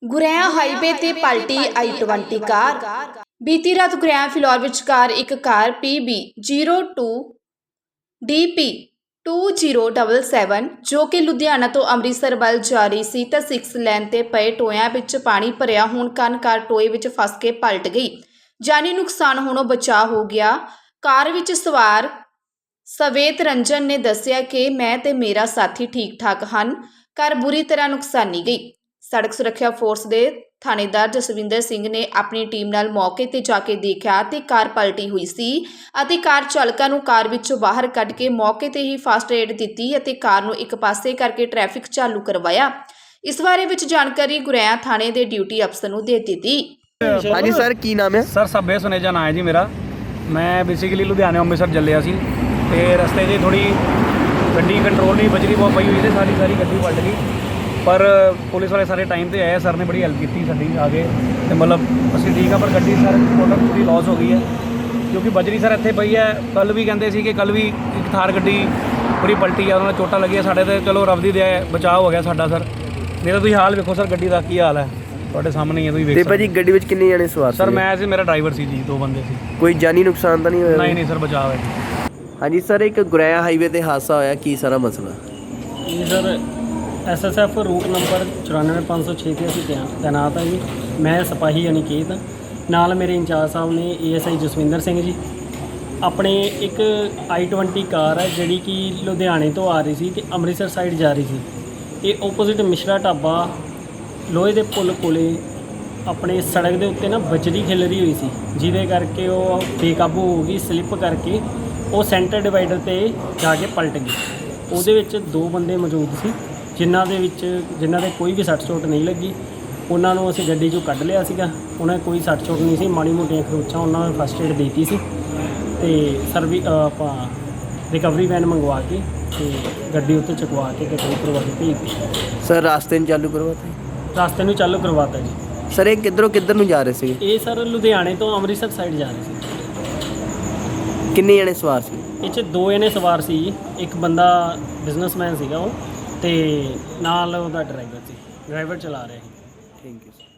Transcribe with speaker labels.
Speaker 1: ਗੁਰੇਆ highway ਤੇ ਪਲਟੀ i20 ਕਾਰ। ਬੀਤੀ ਰਾਤ ਗੁਰੇਆ ਫਿਲੌਰ ਵਿਚਕਾਰ ਇੱਕ ਕਾਰ PB 02 DP 2077 ਜੋ ਕਿ ਲੁਧਿਆਣਾ ਤੋਂ ਅੰਮ੍ਰਿਤਸਰ ਵੱਲ ਜਾ ਰਹੀ ਸੀ ਤਾਂ 6 ਲੇਨ ਤੇ ਪਏ ਟੋਇਆਂ ਵਿੱਚ ਪਾਣੀ ਭਰਿਆ ਹੋਣ ਕਾਰਨ ਕਾਰ ਟੋਏ ਵਿੱਚ ਫਸ ਕੇ ਪਲਟ ਗਈ। ਜਾਨੀ ਨੁਕਸਾਨ ਹੋਣੋਂ ਬਚਾਅ ਹੋ ਗਿਆ। ਕਾਰ ਵਿੱਚ ਸਵਾਰ ਸਵੇਤ ਰੰਜਨ ਨੇ ਦੱਸਿਆ ਕਿ ਮੈਂ ਤੇ ਮੇਰਾ ਸਾਥੀ ਠੀਕ ਠਾਕ ਹਨ। ਕਾਰ ਬੁਰੀ ਤਰ੍ਹਾਂ ਨੁਕਸਾਨੀ ਗਈ। ਸੜਕ ਸੁਰੱਖਿਆ ਫੋਰਸ ਦੇ ਥਾਣੇਦਾਰ ਜਸਵਿੰਦਰ ਸਿੰਘ ਨੇ ਆਪਣੀ ਟੀਮ ਨਾਲ ਮੌਕੇ ਤੇ ਜਾ ਕੇ ਦੇਖਿਆ ਤੇ ਕਾਰ ਪਲਟੀ ਹੋਈ ਸੀ ਅਤੇ ਕਾਰ ਚਾਲਕਾਂ ਨੂੰ ਕਾਰ ਵਿੱਚੋਂ ਬਾਹਰ ਕੱਢ ਕੇ ਮੌਕੇ ਤੇ ਹੀ ਫਸਟ ਏਡ ਦਿੱਤੀ ਅਤੇ ਕਾਰ ਨੂੰ ਇੱਕ ਪਾਸੇ ਕਰਕੇ ਟ੍ਰੈਫਿਕ ਚਾਲੂ ਕਰਵਾਇਆ। ਇਸ ਬਾਰੇ ਵਿੱਚ ਜਾਣਕਾਰੀ ਗੁਰੇਆ ਥਾਣੇ ਦੇ ਡਿਊਟੀ ਅਫਸਰ ਨੂੰ ਦੇ ਦਿੱਤੀ।
Speaker 2: ਹਾਂਜੀ ਸਰ, ਕੀ ਨਾਮ ਹੈ?
Speaker 3: ਸਰ ਸੱਬੇ ਸੁਨੇਜਾ ਨਾਂ ਹੈ ਜੀ ਮੇਰਾ। ਮੈਂ ਬੇਸਿਕਲੀ ਲੁਧਿਆਣੇ ਅੰਮ੍ਰਿਤਸਰ ਚੱਲਿਆ ਸੀ ਤੇ ਰਸਤੇ 'ਚ ਥੋੜੀ ਗੱਡੀ ਕੰਟਰੋਲ ਨਹੀਂ ਬਜਰੀ ਬਹੁਤ ਪਈ ਹੋਈ ਤੇ ਸਾਰੀ ਗੱਡੀ ਪਲਟ ਗਈ। ਪਰ ਪੁਲਿਸ ਵਾਲੇ ਸਾਰੇ ਟਾਈਮ ਤੇ ਆਏ, ਸਰ ਨੇ ਬੜੀ ਹੈਲਪ ਕੀਤੀ ਸਾਡੀ ਆ ਕੇ ਤੇ ਮਤਲਬ ਅਸੀਂ ਠੀਕ ਆ। ਪਰ ਗੱਡੀ ਸਰ ਟੋਟਲ ਪੂਰੀ ਲਾਸ ਹੋ ਗਈ ਹੈ ਕਿਉਂਕਿ ਬਜਰੀ ਸਰ ਇੱਥੇ ਪਈ ਹੈ। ਕੱਲ ਵੀ ਕਹਿੰਦੇ ਸੀ ਕਿ ਕੱਲ ਵੀ ਇੱਕ ਥਾਰ ਗੱਡੀ ਪੂਰੀ ਪਲਟੀ ਆ, ਉਹਨਾਂ ਨੂੰ ਚੋਟਾਂ ਲੱਗੀਆਂ। ਸਾਡੇ ਤੇ ਚਲੋ ਰੱਬ ਦੀ ਦਇਆ ਬਚਾਅ ਹੋ ਗਿਆ ਸਾਡਾ ਸਰ। ਮੇਰਾ ਤੁਸੀਂ ਹਾਲ ਵੇਖੋ ਸਰ, ਗੱਡੀ ਦਾ ਕੀ ਹਾਲ ਹੈ ਤੁਹਾਡੇ ਸਾਹਮਣੇ ਹੀ ਹੈ, ਤੁਸੀਂ ਵੇਖ ਸਕਦੇ।
Speaker 2: ਤੇ ਭਾਜੀ ਗੱਡੀ ਵਿੱਚ ਕਿੰਨੇ ਜਣੇ ਸਵਾਰ
Speaker 3: ਸਰ ਮੈਂ ਸੀ, ਮੇਰਾ ਡਰਾਈਵਰ ਸੀ ਜੀ, 2 ਬੰਦੇ ਸੀ।
Speaker 2: ਕੋਈ ਜਾਨੀ ਨੁਕਸਾਨ ਤਾਂ ਨਹੀਂ ਹੋਇਆ?
Speaker 3: ਨਹੀਂ ਸਰ, ਬਚਾਅ ਹੈ।
Speaker 2: ਹਾਂਜੀ ਸਰ, ਇੱਕ ਗੁਰੇਆ ਹਾਈਵੇ ਤੇ ਹਾਦਸਾ ਹੋਇਆ, ਕੀ ਸਾਰਾ ਮਸਲਾ?
Speaker 4: ਜੀ ਸਰ SSF ਰੂਟ ਨੰਬਰ 94506 ਤੇ ਅਸੀਂ ਤੈਨਾਤ ਹਾਂ ਜੀ। ਮੈਂ ਸਿਪਾਹੀ ਅਨਿਕੇਤ, ਨਾਲ ਮੇਰੇ ਇੰਚਾਰਜ ਸਾਹਿਬ ਨੇ ASI ਜਸਵਿੰਦਰ ਸਿੰਘ ਜੀ। ਆਪਣੇ ਇੱਕ i20 ਕਾਰ ਹੈ ਜਿਹੜੀ ਕਿ ਲੁਧਿਆਣੇ ਤੋਂ ਆ ਰਹੀ ਸੀ ਤੇ ਅੰਮ੍ਰਿਤਸਰ ਸਾਈਡ ਜਾ ਰਹੀ ਸੀ। ਇਹ ਓਪੋਜ਼ਿਟ ਮਿਸ਼ਰਾ ਢਾਬਾ ਲੋਹੇ ਦੇ ਪੁਲ ਕੋਲੇ ਆਪਣੇ ਸੜਕ ਦੇ ਉੱਤੇ ਨਾ ਬਜਰੀ ਖਿਲਰੀ ਹੋਈ ਸੀ, ਜਿਹਦੇ ਕਰਕੇ ਉਹ ਬੇਕਾਬੂ ਹੋ ਗਈ, ਸਲਿੱਪ ਕਰਕੇ ਉਹ ਸੈਂਟਰ ਡਿਵਾਈਡਰ ਤੇ ਜਾ ਕੇ ਪਲਟ ਗਈ। ਉਹਦੇ ਵਿੱਚ 2 ਬੰਦੇ ਮੌਜੂਦ ਸੀ ਜਿਨ੍ਹਾਂ ਦੇ ਕੋਈ ਵੀ ਸੱਟ ਚੋਟ ਨਹੀਂ ਲੱਗੀ। ਉਹਨਾਂ ਨੂੰ ਅਸੀਂ ਗੱਡੀ 'ਚੋਂ ਕੱਢ ਲਿਆ ਸੀਗਾ। ਉਹਨਾਂ ਕੋਈ ਸੱਟ ਚੋਟ ਨਹੀਂ ਸੀ, ਮਾੜੀ ਮੋਟੀਆਂ ਖਰੋਚਾਂ, ਉਹਨਾਂ ਨੂੰ ਫਸਟ ਏਡ ਦੇਤੀ ਸੀ ਤੇ ਆਪਾਂ ਰਿਕਵਰੀ ਵੈਨ ਮੰਗਵਾ ਕੇ ਤੇ ਗੱਡੀ ਉੱਤੇ ਚੁਕਵਾ ਕੇ ਕੋਈ ਕਰਵਾ ਕੇ ਭੇਜ ਦਿੱਤੀ।
Speaker 2: ਸਰ ਰਾਸਤੇ ਨੂੰ ਚਾਲੂ ਕਰਵਾਤਾ?
Speaker 4: ਰਸਤੇ ਨੂੰ ਚਾਲੂ ਕਰਵਾਤਾ ਜੀ।
Speaker 2: ਸਰ ਇਹ ਕਿੱਧਰ ਨੂੰ ਜਾ ਰਹੇ ਸੀ?
Speaker 4: ਇਹ ਸਰ ਲੁਧਿਆਣੇ ਤੋਂ ਅੰਮ੍ਰਿਤਸਰ ਸਾਈਡ ਜਾ ਰਹੇ ਸੀ।
Speaker 2: ਕਿੰਨੇ ਜਣੇ ਸਵਾਰ ਸੀ?
Speaker 4: ਇਹ 'ਚ 2 ਜਣੇ ਸਵਾਰ ਸੀ। ਇੱਕ ਬੰਦਾ ਬਿਜ਼ਨਸਮੈਨ ਸੀਗਾ ਉਹ, ਤੇ ਨਾਲ ਉਹਦਾ ਡਰਾਈਵਰ ਸੀ, ਡਰਾਈਵਰ ਚਲਾ ਰਿਹਾ ਸੀ।
Speaker 2: Thank you.